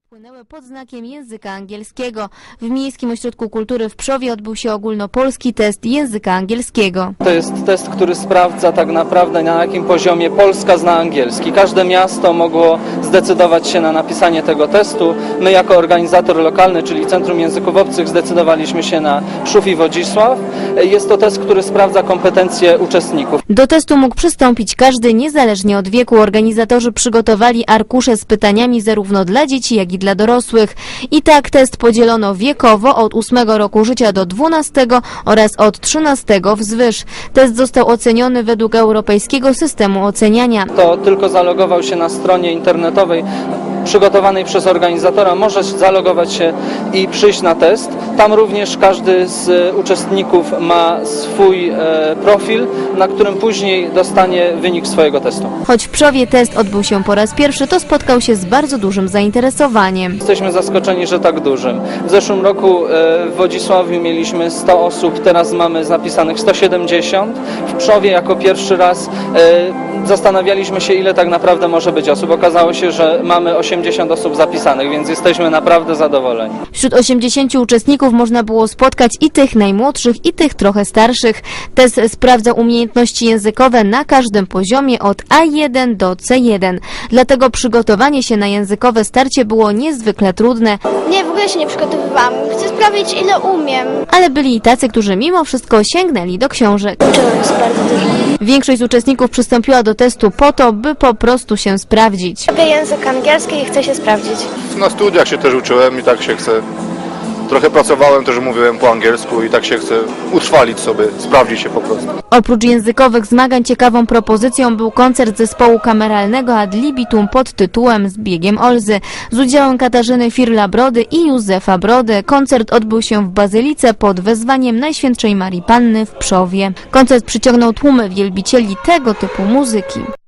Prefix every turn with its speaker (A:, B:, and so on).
A: Płynęły pod znakiem języka angielskiego. W Miejskim Ośrodku Kultury w Pszowie odbył się ogólnopolski test języka angielskiego.
B: To jest test, który sprawdza tak naprawdę, na jakim poziomie Polska zna angielski. Każde miasto mogło zdecydować się na napisanie tego testu. My jako organizator lokalny, czyli Centrum Języków Obcych, zdecydowaliśmy się na Pszów i Wodzisław. Jest to test, który sprawdza kompetencje uczestników.
A: Do testu mógł przystąpić każdy, niezależnie od wieku. Organizatorzy przygotowali arkusze z pytaniami zarówno dla dzieci, jak i dla dorosłych. I tak test podzielono wiekowo od 8 roku życia do 12 oraz od 13 wzwyż. Test został oceniony według europejskiego systemu oceniania.
B: Kto tylko zalogował się na stronie internetowej przygotowanej przez organizatora, może zalogować się i przyjść na test. Tam również każdy z uczestników ma swój profil, na którym później dostanie wynik swojego testu.
A: Choć w Pszowie test odbył się po raz pierwszy, to spotkał się z bardzo dużym zainteresowaniem.
B: Jesteśmy zaskoczeni, że tak dużym. W zeszłym roku w Wodzisławiu mieliśmy 100 osób, teraz mamy zapisanych 170. W Pszowie jako pierwszy raz zastanawialiśmy się, ile tak naprawdę może być osób. Okazało się, że mamy 80 osób zapisanych, więc jesteśmy naprawdę zadowoleni.
A: Wśród 80 uczestników można było spotkać i tych najmłodszych, i tych trochę starszych. Test sprawdzał umiejętności językowe na każdym poziomie od A1 do C1. Dlatego przygotowanie się na językowe starcie było niezwykle trudne.
C: Nie, w ogóle się nie przygotowywałam. Chcę sprawdzić, ile umiem.
A: Ale byli i tacy, którzy mimo wszystko sięgnęli do książek.
C: To jest bardzo dużo.
A: Większość z uczestników przystąpiła do testu po to, by po prostu się sprawdzić.
C: Lubię język angielski i chcę się sprawdzić.
D: Na studiach się też uczyłem i tak się chcę. Trochę pracowałem, też mówiłem po angielsku i tak się chcę utrwalić sobie, sprawdzić się po prostu.
A: Oprócz językowych zmagań ciekawą propozycją był koncert zespołu kameralnego Ad Libitum pod tytułem Z biegiem Olzy z udziałem Katarzyny Firla-Brody i Józefa Brody. Koncert odbył się w Bazylice pod wezwaniem Najświętszej Marii Panny w Pszowie. Koncert przyciągnął tłumy wielbicieli tego typu muzyki.